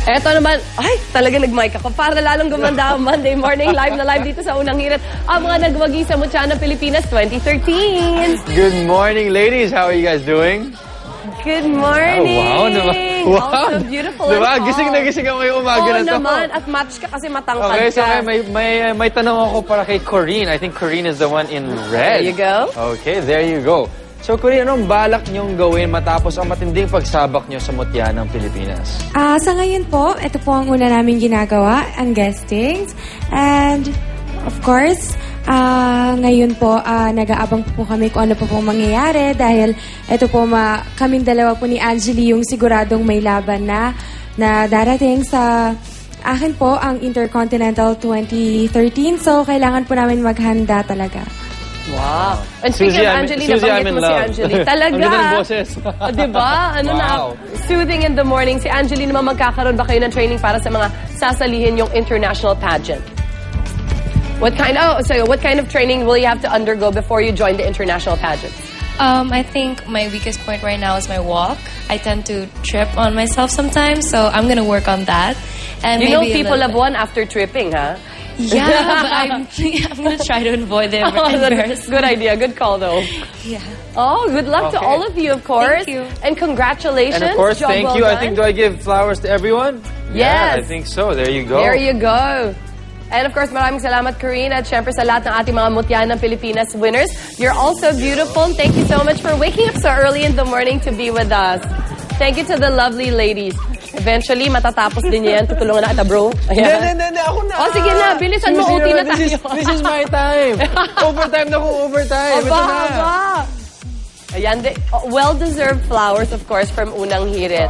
Eto naman, ay, talaga nag-mic ako para lalong gumanda ang Monday morning live na live dito sa Unang Hirit. Ang mga nagwagi sa Mutya ng Pilipinas 2013. Good morning, ladies. How are you guys doing? Good morning! Oh, wow, naman. Wow. Also beautiful Diba? and Gising na gising ako yung umaga na to. naman. At match ka kasi matangkad Okay, so ka. may tanong ako para kay Corinne. I think Corinne is the one in red. There you go. Okay, there you go. So, Corinne, anong balak niyong gawin matapos ang matinding pagsabak niyo sa Mutya ng Pilipinas? Sa ngayon po, ito po ang una namin ginagawa, ang guestings. And, of course, ngayon po, nag-aabang po kami kung ano po pong mangyayari dahil ito po, kaming dalawa po ni Angeli yung siguradong may laban na darating sa akin po ang Intercontinental 2013. So, kailangan po namin maghanda talaga. Wow. And speaking Suzy, of Angeli, nabanggit mo si Angeli. Talaga. Ang ganda ng boses. Diba? Ano Wow. na, soothing in the morning. Si Angeli naman, magkakaroon ba kayo ng training para sa mga sasalihin yung international pageant? What kind of training will you have to undergo before you join the international pageant? I think my weakest point right now is my walk. I tend to trip on myself sometimes, so I'm gonna work on that. And You know maybe a people little have won after tripping, huh? Yeah, but I'm gonna try to avoid the embarrassment. Good idea. Good call, though. Yeah. Oh, good luck to Okay. all of you, of course. Thank you. And congratulations. And of course, Job thank well you. I done. think, do I give flowers to everyone? Yeah, I Yes. think so. There you go. There you go. And of course, maraming salamat, Corinne, at syempre sa lahat ng ating mga Mutya ng Pilipinas winners. You're also beautiful. Thank you so much for waking up so early in the morning to be with us. Thank you to the lovely ladies. Eventually, matatapos din yan. Tutulungan na kita, bro. Ayan. Hindi, ako na. Oh, sige na. Bilisan mo. Suzy, OT na this tayo. This is my time. Overtime na kung overtime. Aba, Ito na. aba. Ayan, well-deserved flowers, of course, from Unang Hirit.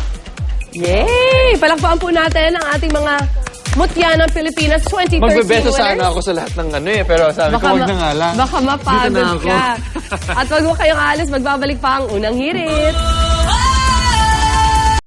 Yay! Palakpakan po natin ang ating mga Mutya ng Pilipinas 2013 Magbebeso winners. sana ako sa lahat ng pero sabi ko, wag na nga lang. Baka Dito na mapagod ako. ka. At wag mo kayong alis, magbabalik pa ang Unang Hirit.